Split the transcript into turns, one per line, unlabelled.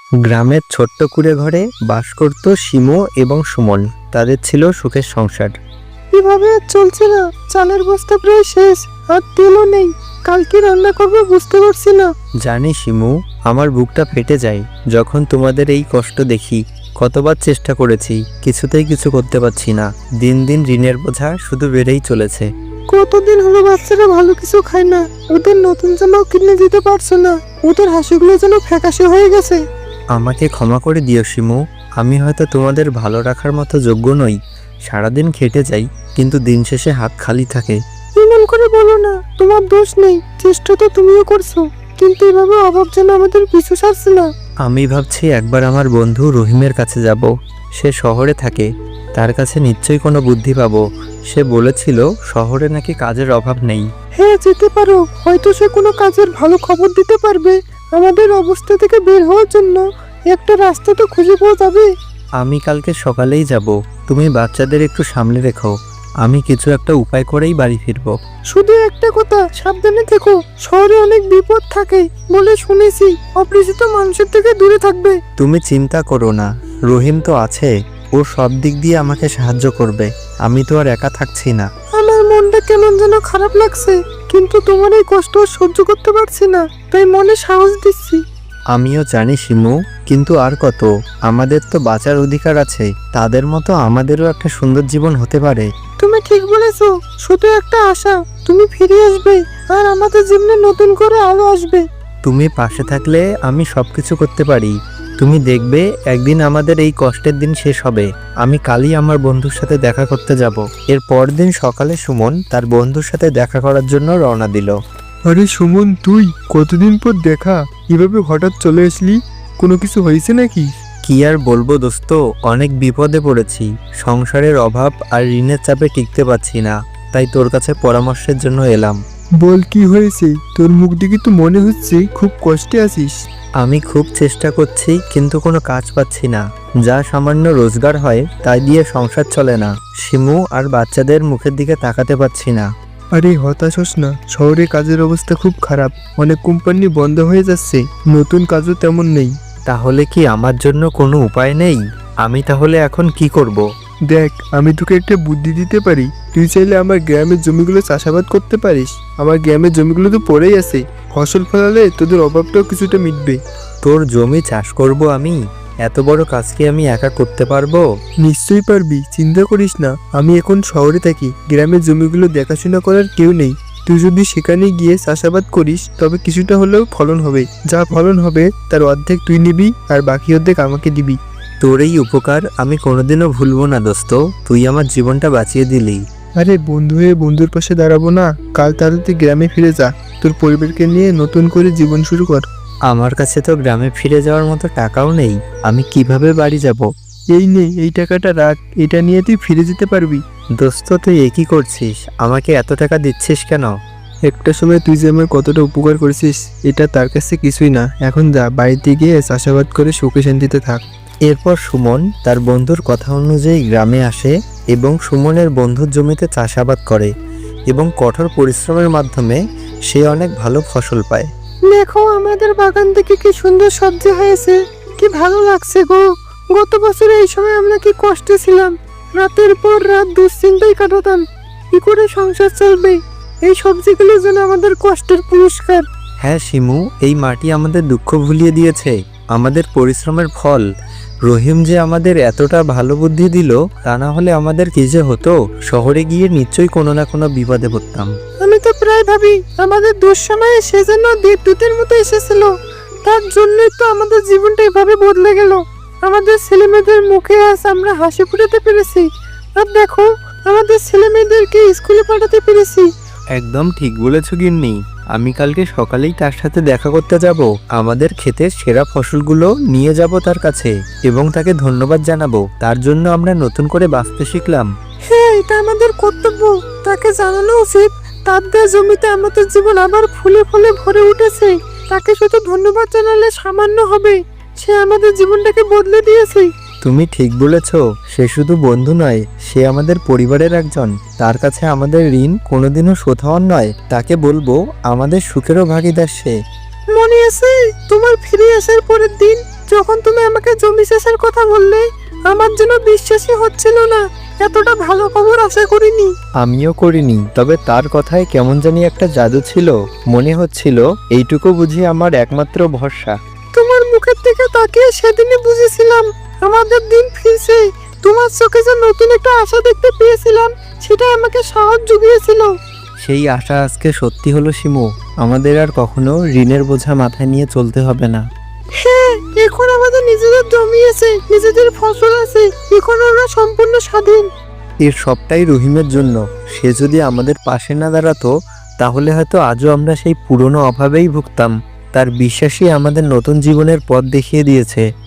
গ্রামের ছোট্ট কুঁড়ে ঘরে বাস করত শিমু এবং সুমন। তাদের ছিল সুখের সংসার।
এভাবে আর চলছে না, চালের বস্তা প্রায় শেষ, আর তেলও নেই। কালকে রান্না করবো বুঝতে পারছি না।
জানি শিমু, আমার বুকটা ফেটে যায় যখন তোমাদের এই কষ্ট দেখি। কতবার চেষ্টা করেছি, কিছুতেই কিছু করতে পারছি না। দিন দিন ঋণের বোঝা শুধু বেড়েই চলেছে।
কতদিন হলো বাচ্চারা ভালো কিছু খায় না, ওদের নতুন জামাও কিনে দিতে পারছো না। ওদের হাসিগুলো যেন ফ্যাকাশে হয়ে গেছে।
আমাকে ক্ষমা করে দিও শিমু, আমি হয়তো তোমাদের ভালো রাখার মতো যোগ্য নই। সারাদিন খেটে যাই, কিন্তু দিন শেষে হাত খালি থাকে।
এমন করে বলো না, তোমার দোষ নেই, চেষ্টা তো তুমিও করছো, কিন্তু এভাবে অভাব যেন আমাদের পিছু ছাড়ছে না।
আমি ভাবছি একবার আমার বন্ধু রহিমের কাছে যাব। সে শহরে থাকে, তার কাছে নিশ্চয়ই কোনো বুদ্ধি পাবো। সে বলেছিল শহরে নাকি কাজের অভাব নেই।
হ্যাঁ, যেতে পারো, হয়তো সে কোনো কাজের ভালো খবর দিতে পারবে। আমাদের অবস্থা থেকে বের হওয়ার জন্য একটা রাস্তা তো খুঁজে পাওয়া যাবে।
আমি কালকে সকালেই যাব। তুমি বাচ্চাদের একটু সামলে রেখো, আমি কিছু একটা উপায় করেই বাড়ি ফিরবো।
শুধু একটা কথা, সাবধানে থেকো, শহরে অনেক বিপদ থাকে বলে শুনেছি। অপরিচিত মানুষের থেকে দূরে থাকবে।
তুমি চিন্তা করো না, রহিম তো আছে, ও সব দিক দিয়ে আমাকে সাহায্য করবে। আমি তো আর একা থাকছি না।
আমার মনটা কেমন যেন খারাপ লাগছে, কিন্তু তোমার এই কষ্ট সহ্য করতে পারছি না, তাই মনে সাহস দিচ্ছি।
আমিও জানি শিমু, কিন্তু আর কত? আমাদের তো বাঁচার অধিকার আছে। তাদের মতো আমাদেরও একটা সুন্দর জীবন হতে পারে।
তুমি ঠিক বলেছো, শুধু একটা আশা, তুমি ফিরে আসবে আর আমাদের জীবনে নতুন করে আলো আসবে।
তুমি পাশে থাকলে আমি সবকিছু করতে পারি। তুমি দেখবে একদিন আমাদের এই কষ্টের দিন শেষ হবে। আমি কালই আমার বন্ধুর সাথে দেখা করতে যাব। এর পরদিন সকালে সুমন তার বন্ধুর সাথে দেখা করার জন্য রওনা দিল।
আরে সুমন, তুই কতদিন পর দেখা, এভাবে হঠাৎ চলে আসলি? কোনো কিছু হয়েছে নাকি?
কি আর বলবো দোস্ত, অনেক বিপদে পড়েছি। সংসারের অভাব আর ঋণের চাপে টিকতে পারছি না, তাই তোর কাছে পরামর্শের জন্য এলাম।
বল, কি হয়েছে? তোর মুখ দেখে তো মনে হচ্ছে খুব কষ্টে আছিস।
আমি খুব চেষ্টা করছি, কিন্তু কোনো কাজ পাচ্ছি না। যা সামান্য রোজগার হয় তাই দিয়ে সংসার চলে না। শিমু আর বাচ্চাদের মুখের দিকে তাকাতে পাচ্ছি না।
আরে হতাশ হোস না, শহরে কাজের অবস্থা খুব খারাপ, অনেক কোম্পানি বন্ধ হয়ে যাচ্ছে, নতুন কাজও তেমন নেই।
তাহলে কি আমার জন্য কোনো উপায় নেই? আমি তাহলে এখন কি করব?
দেখ, আমি তোকে একটা বুদ্ধি দিতে পারি। তুই চাইলে আমার গ্রামের জমিগুলো চাষাবাদ করতে পারিস। আমার গ্রামের জমিগুলো তো পড়েই আছে, ফসল ফলালে তোদের অভাবটাও কিছুটা মিটবে।
তোর জমি চাষ করব আমি? এত বড় কাজ কি আমি একা করতে পারবো?
নিশ্চয়ই পারবি, চিন্তা করিস না। আমি এখন শহরে থাকি, গ্রামের জমিগুলো দেখাশোনা করার কেউ নেই। তুই যদি সেখানে গিয়ে চাষাবাদ করিস তবে কিছুটা হলেও ফলন হবে। যা ফলন হবে তার অর্ধেক তুই নিবি আর বাকি অর্ধেক আমাকে দিবি।
তোর এই উপকার আমি কোনোদিনও ভুলবো না দোস্ত, তুই আমার জীবনটা বাঁচিয়ে দিলি।
আরে বন্ধু হয়ে বন্ধুর পাশে দাঁড়াবো না? কাল তাহলে তুই গ্রামে ফিরে যা, তোর পরিবারকে নিয়ে নতুন করে জীবন শুরু কর।
আমার কাছে তো গ্রামে ফিরে যাওয়ার মতো টাকাও নেই, আমি কিভাবে বাড়ি যাব?
এই নে, এই টাকাটা রাখ, এটা নিয়ে তুই ফিরে যেতে পারবি।
দোস্ত তুই এ কি করছিস? আমাকে এত টাকা দিচ্ছিস কেন?
একটা সময় তুই যে আমার কতটা উপকার করেছিস, এটা তার কাছে কিছুই না। এখন যা, বাড়িতে গিয়ে চাষাবাদ করে সুখে শান্তিতে থাক।
এরপর সুমন তার বন্ধুর কথা অনুযায়ী গ্রামে আসে এবং সুমনের বন্ধুর জমিতে চাষাবাদ করে এবং কঠোর পরিশ্রমের মাধ্যমে সে অনেক ভালো ফসল পায়।
দেখো, আমাদের বাগান থেকে কি সুন্দর সবজি হয়েছে, কি ভালো লাগছে গো। গত বছর এই সময় আমরা কি কষ্টে ছিলাম, রাতের পর রাত দুশ্চিন্তায় কাটাতাম, কি করে সংসার চলবে। এই সবজিগুলো যেন আমাদের কষ্টের পুরস্কার।
হ্যাঁ শিমু, এই মাটি আমাদের দুঃখ ভুলিয়ে দিয়েছে, আমাদের পরিশ্রমের ফল। রহিম যে আমাদের এতটা ভালো বুদ্ধি দিল, তা না হলে আমাদের কি যে হতো। শহরে গিয়ে নিশ্চয়ই কোনো না কোনো বিপদে পড়তাম।
আমি তো প্রায় ভাবি আমাদের দুঃসময়ে সে যেন দেবদূতের মতো এসেছিল, তার জন্যই তো আমাদের জীবনটা এভাবে বদলে গেল। আমাদের ছেলেমেয়েদের মুখে আজ আমরা হাসি ফুটাতে পেরেছি, আর দেখো আমাদের ছেলেমেয়েদেরকে স্কুলে পাঠাতে পেরেছি।
একদম ঠিক বলেছ গিন্নি, আমি কালকে সকালেই তার সাথে দেখা করতে যাব। আমাদের ক্ষেতের সেরা ফসলগুলো নিয়ে যাব তার কাছে এবং তাকে ধন্যবাদ জানাবো। তার জন্য আমরা নতুন করে বাঁচতে শিখলাম।
হ্যাঁ, এটা আমাদের কর্তব্য, তাকে জানানো উচিত তার দেওয়া জমিতে আমাদের জীবন আবার ফুলে ফুলে ভরে উঠেছে। তাকে শুধু ধন্যবাদ জানালে সামান্য হবে, সে আমাদের জীবনটাকে বদলে দিয়েছে।
তুমি ঠিক বলেছ, সে শুধু বন্ধু নয়, সে আমাদের পরিবারের একজন। তার কাছে আমাদের ঋণ কোনোদিনও শোধ হওয়ার নয়। তাকে বলবো আমাদের সুখেরও ভাগীদার সে।
মনে আছে তোমার ফিরে আসার পরের দিন, যখন বিশ্বাসের কথা বললে আমার যেন বিশ্বাসই হচ্ছিল না। এতটা ভালো খবর আশা করিনি।
আমিও করিনি, তবে তার কথায় কেমন জানি একটা জাদু ছিল। মনে হচ্ছিল এইটুকু বুঝি আমার একমাত্র ভরসা।
তোমার মুখের দিকে তাকিয়ে সেদিনই বুঝেছিলাম আমাদের দিন ফিরছে। তোমার চোখে যে নতুন একটা আশা দেখতে পেয়েছিলাম, সেটা আমাকে সাহস জুগিয়েছিল।
সেই আশা আজকে সত্যি হলো শিমু। আমাদের আর কখনো ঋণের বোঝা মাথায় নিয়ে চলতে হবে না।
হ্যাঁ, এখন আমাদের নিজেদের জমি আছে, নিজেদের ফসল আছে, এখন আমরা সম্পূর্ণ স্বাধীন।
এর সবটাই রহিমের জন্য। সে যদি আমাদের পাশে না দাঁড়াতো, তাহলে হয়তো আজও আমরা সেই পুরনো অভাবেই ভুগতাম। তার বিশ্বাসই আমাদের নতুন জীবনের পথ দেখিয়ে দিয়েছে।